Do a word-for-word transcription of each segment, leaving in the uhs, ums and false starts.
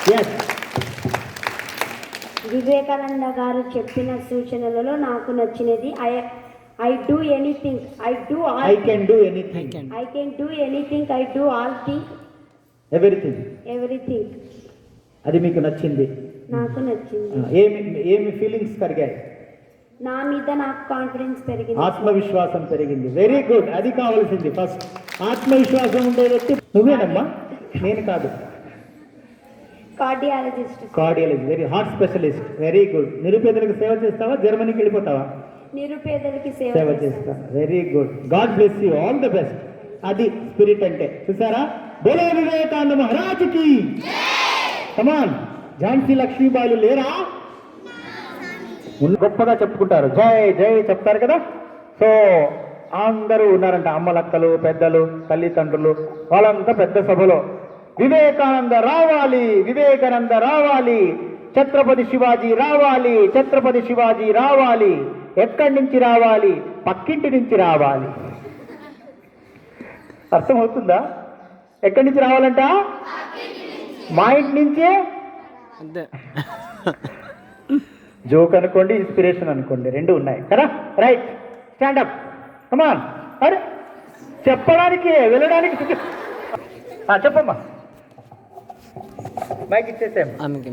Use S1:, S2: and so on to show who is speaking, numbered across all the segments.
S1: Yes.
S2: Vivekananda గారు చెప్పిన సూచనలలో నాకు నచ్చినది I I do anything I do all
S1: I can do anything.
S2: I can do anything I do all thing
S1: everything.
S2: Everything
S1: అది మీకు నచ్చింది.
S2: నాకు నచ్చింది.
S1: ఏమి ఏమి ఫీలింగ్స్ కలిగాయి?
S2: నా మీద నాకు కాన్ఫిడెన్స్ పెరిగింది,
S1: ఆత్మవిశ్వాసం పెరిగింది. వెరీ గుడ్, అది కావాల్సింది ఫస్ట్. ఆత్మవిశ్వాసం ఉండే వ్యక్తి నువ్వేనమ్మా, నేను కాదు.
S2: Cardiologist.
S1: Cardiology, very heart specialist. Very good. నిరుపేదలకు సేవ చేస్తావా? జర్మనీకి వెళ్ళిపోతావా?
S2: నిరుపేదలకి సేవ
S1: సేవ చేస్తా. Very good. God bless you, all the best. అది స్పిరిట్ అంటే. చూసారా? బోలో వివేకానంద మహారాజుకి కమాన్. ఝాన్సీ లక్ష్మీబాయిలు లేరా? గొప్పగా చెప్పుకుంటారు, జై జై చెప్తారు కదా. సో అందరూ ఉన్నారంట, అమ్మలక్కలు, పెద్దలు, తల్లిదండ్రులు, వాళ్ళంతా పెద్ద సభలో వివేకానంద రావాలి, వివేకానంద రావాలి, ఛత్రపతి శివాజీ రావాలి, ఛత్రపతి శివాజీ రావాలి. ఎక్కడి నుంచి రావాలి? పక్కింటి నుంచి రావాలి. అర్థమవుతుందా? ఎక్కడి నుంచి రావాలంట? మా ఇంటి నుంచే. జోక్ అనుకోండి, ఇన్స్పిరేషన్ అనుకోండి, రెండు ఉన్నాయి కదా. Right, stand up, come on. అరే చెప్పడానికి వెళ్ళడానికి చెప్పమ్మా. మైక్ ఇచ్చేసాం.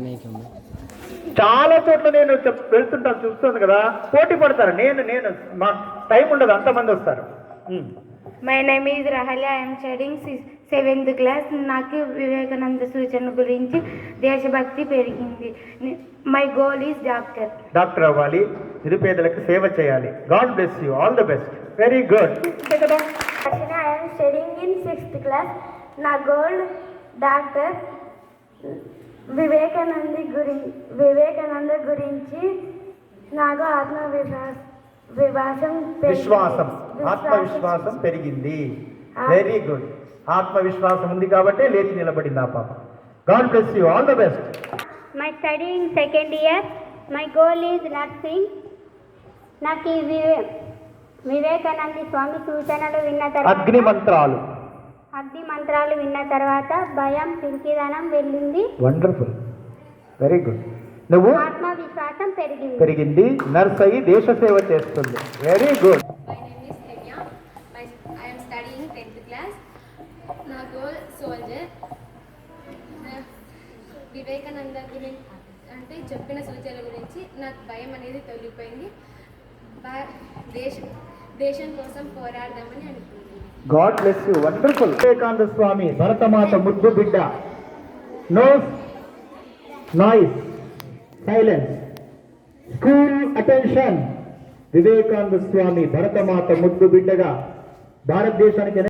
S1: చాలా చోట్ల నేను చెప్ వెళ్తుంటాను, చూస్తుంది కదా, పోటీ పడతారు. నేను నేను మా టైం ఉండదు, అంతమంది వస్తారు.
S3: My name is Rahalya, I'm studying seventh class. నాకు వివేకానంద సూచన గురించి దేశభక్తి పెరిగింది. My goal is doctor.
S1: Doctor అవ్వాలి, నిరుపేదలకు సేవ చేయాలి. God bless you, all the best. Very good. కదా,
S3: I'm studying in sixth class. నా గోల్ డాక్టర్. వివేకానంద గురి వివేకానంద గురించి నాకు ఆత్మవిశ్వాస విశ్వాసం
S1: విశ్వాసం ఆత్మవిశ్వాసం పెరిగింది. Very good. ఆత్మవిశ్వాసం ఉంది కాబట్టి లేచి నిలబడింది ఆ పాప. God bless you, all the best.
S3: My study in second year. My goal is nursing. నాకు ఈ వివే వివేకానంద స్వామి సూచనలు విన్న తర్వాత
S1: అగ్ని మంత్రాలు
S3: అగ్ని మంత్రాలు విన్న తర్వాత భయం, పింకిదనం వెళ్ళింది.
S1: Wonderful, very good. నువ్వు
S3: ఆత్మవిశ్వాసం పెరిగింది
S1: పెరిగింది నర్స్ అయ్యి దేశ సేవ చేస్తుంది. Very good.
S4: My name is Kenya. My, I am studying tenth class. నా గోల్ సోల్జర్. వివేకానంద గురించి అంటే చెప్పిన సూచనల గురించి నాకు భయం అనేది తొలగిపోయింది. దేశ దేశం కోసం పోరాడదామని అనుకుంటున్నాను.
S1: God bless you, wonderful. Vivekananda Swami Bharatmata ముద్దు బిడ్డ. No noise, silence, school attention. Vivekananda Swami Bharatmata ముద్దు బిడ్డగా భారతదేశానికి